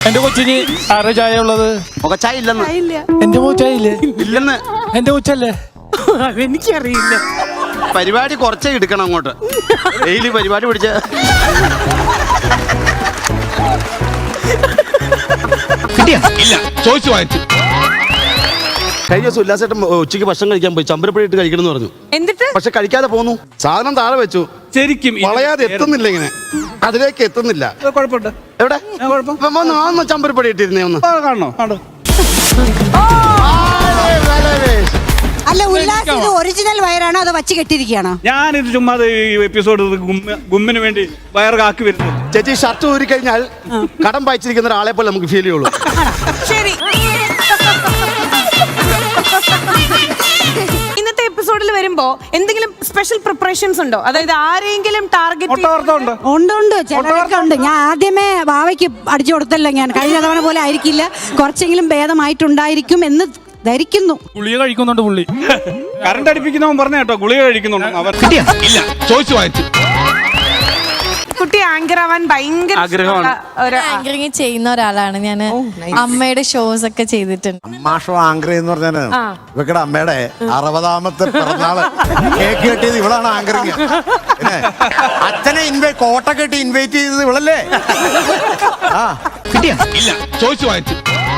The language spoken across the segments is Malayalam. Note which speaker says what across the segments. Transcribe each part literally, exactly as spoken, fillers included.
Speaker 1: എന്റെ കൊച്ചിന് ആരുടെ ചായ ഉള്ളത്?
Speaker 2: മുഖച്ചായ ഇല്ലെന്ന്.
Speaker 1: എന്റെ മുഖച്ചായ ഇല്ലേ?
Speaker 2: ഇല്ലെന്ന്.
Speaker 1: എന്റെ കൊച്ചല്ലേ?
Speaker 3: എനിക്കറിയില്ല.
Speaker 2: പരിപാടി കുറച്ചേ എടുക്കണം അങ്ങോട്ട്. ഡെയിലി പരിപാടി പിടിച്ച
Speaker 4: ഇല്ല ചോദിച്ചു വാങ്ങിച്ചു.
Speaker 2: കഴിഞ്ഞ ദിവസം ഉല്ലാസേട്ടൻ ഉച്ചയ്ക്ക് ഭക്ഷണം കഴിക്കാൻ പോയി. ചമ്പരപ്പഴി ഇട്ട് കഴിക്കണം എന്ന് പറഞ്ഞു.
Speaker 3: എന്നിട്ട്
Speaker 2: പക്ഷെ കഴിക്കാതെ പോന്നു. സാധനം താഴെ വെച്ചു.
Speaker 4: ശരിക്കും
Speaker 2: വളയാതെ എത്തുന്നില്ല. ഇങ്ങനെ അതിലേക്ക് എത്തുന്നില്ല.
Speaker 4: കുഴപ്പമുണ്ട്.
Speaker 2: എവിടെ ഒന്ന് ചമ്പരപ്പടി ഇട്ടിരുന്നേ ഒന്ന്
Speaker 4: കാണണോ? കാണോ.
Speaker 5: അല്ല ഉല്ലാസ് ഇത് ഒറിജിനൽ വയറാണോ അതോ വച്ച് കെട്ടിയിരിക്കുകയാണോ?
Speaker 4: ഞാനിത് ചുമ്മാ ഈ എപ്പിസോഡ് ഗുമ്മിന് വേണ്ടി വയർ കാക്കി വരുന്നത്.
Speaker 2: ചേച്ചി ഷർട്ട് ഊരി കഴിഞ്ഞാൽ കടം വായിച്ചിരിക്കുന്ന ഒരാളെ പോലെ നമുക്ക് ഫീൽ ചെയ്യുള്ളൂ.
Speaker 3: ശരി. ഇന്നത്തെ എപ്പിസോഡിൽ വരുമ്പോ എന്തെങ്കിലും സ്പെഷ്യൽ പ്രിപ്പറേഷൻസ് ഉണ്ടോ? അതായത് ആരെങ്കിലും ടാർഗറ്റ്
Speaker 4: ഉണ്ട്
Speaker 5: ഉണ്ട് ഉണ്ട് ചിലരൊക്കെ ഉണ്ട്. ഞാൻ ആദ്യമേ വാവയ്ക്ക് അടിച്ചു കൊടുത്തല്ലോ. ഞാൻ കഴിഞ്ഞ തവണ പോലെ ആയിരിക്കില്ല, കുറച്ചെങ്കിലും ഭേദമായിട്ടുണ്ടായിരിക്കും എന്ന് ധരിക്കുന്നു.
Speaker 1: ഗുളിക കഴിക്കുന്നുണ്ട് പുള്ളി.
Speaker 4: കറണ്ട് അടിപ്പിക്കുന്നവൻ പറഞ്ഞ കേട്ടോ ഗുളിക കഴിക്കുന്നുണ്ട്. അവർ ഇല്ല ചോദിച്ചു വാങ്ങിച്ചു.
Speaker 3: കുട്ടി ആങ്കർ ആവാൻ ഭയങ്കര
Speaker 4: ആഗ്രഹമാണ്.
Speaker 6: ആങ്കറിങ് ചെയ്യുന്ന ഒരാളാണ് ഞാൻ. അമ്മയുടെ ഷോസ് ഒക്കെ ചെയ്തിട്ടുണ്ട്.
Speaker 7: അമ്മ ഷോ ആങ്കർ എന്ന് പറഞ്ഞാല് ഇവക്കടെ അമ്മയുടെ അറുപതാമത്തെ പിറന്നാള് കേക്ക് കെട്ടിയത് ഇവളാണ് ആങ്കറിങ്. പിന്നെ അച്ഛനെ ഇൻവൈറ്റ് കോട്ട കെട്ടി ഇൻവൈറ്റ് ചെയ്തത് ഇവളല്ലേ? ആ
Speaker 4: ഇല്ല ചോദിച്ചു വാങ്ങിച്ചു.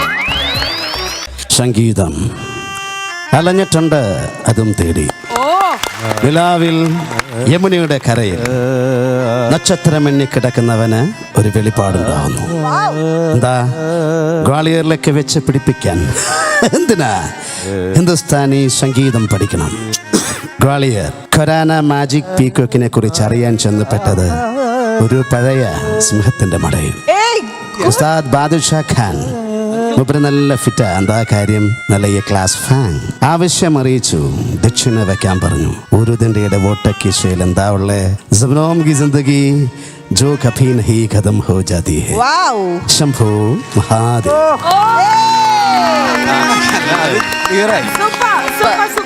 Speaker 2: സംഗീതം അലഞ്ഞിട്ടുണ്ട്, അതും തേടി. നിലാവിൽ യമുനയുടെ കരയിൽ നക്ഷത്രമെണ്ണി കിടക്കുന്നവന് ഒരു വെളിപ്പാടുണ്ടാവുന്നു. എന്താ ഗ്വാളിയറിലേക്ക് വെച്ച് പിടിപ്പിക്കാൻ എന്തിനാ ഹിന്ദുസ്ഥാനി സംഗീതം പഠിക്കണം? ഗ്വാളിയർ ഖൊരാന മാജിക് പീക്കോക്കിനെ കുറിച്ച് അറിയാൻ ചെന്നപ്പെട്ടത് ഒരു പഴയ സിംഹത്തിന്റെ മടയിൽ. ഉസ്താദ് ബാദുഷാ ഖാൻ മൂപ്പര് നല്ല ഫിറ്റാ. എന്താ കാര്യം? നല്ല ഈ ക്ലാസ് ഫാൻ. ആവശ്യം അറിയിച്ചു, ദക്ഷിണ വെക്കാൻ പറഞ്ഞു. ഉറുദിന്റെ വോട്ടക്കിശയിൽ എന്താ ഉള്ളേ? സബ്നോം കി ജിന്ദഗി ജോ കഭി നഹീ ഖതം ഹോ ജാതി ഹൈ. ശംഭു മഹാദേവ്.
Speaker 3: Super super.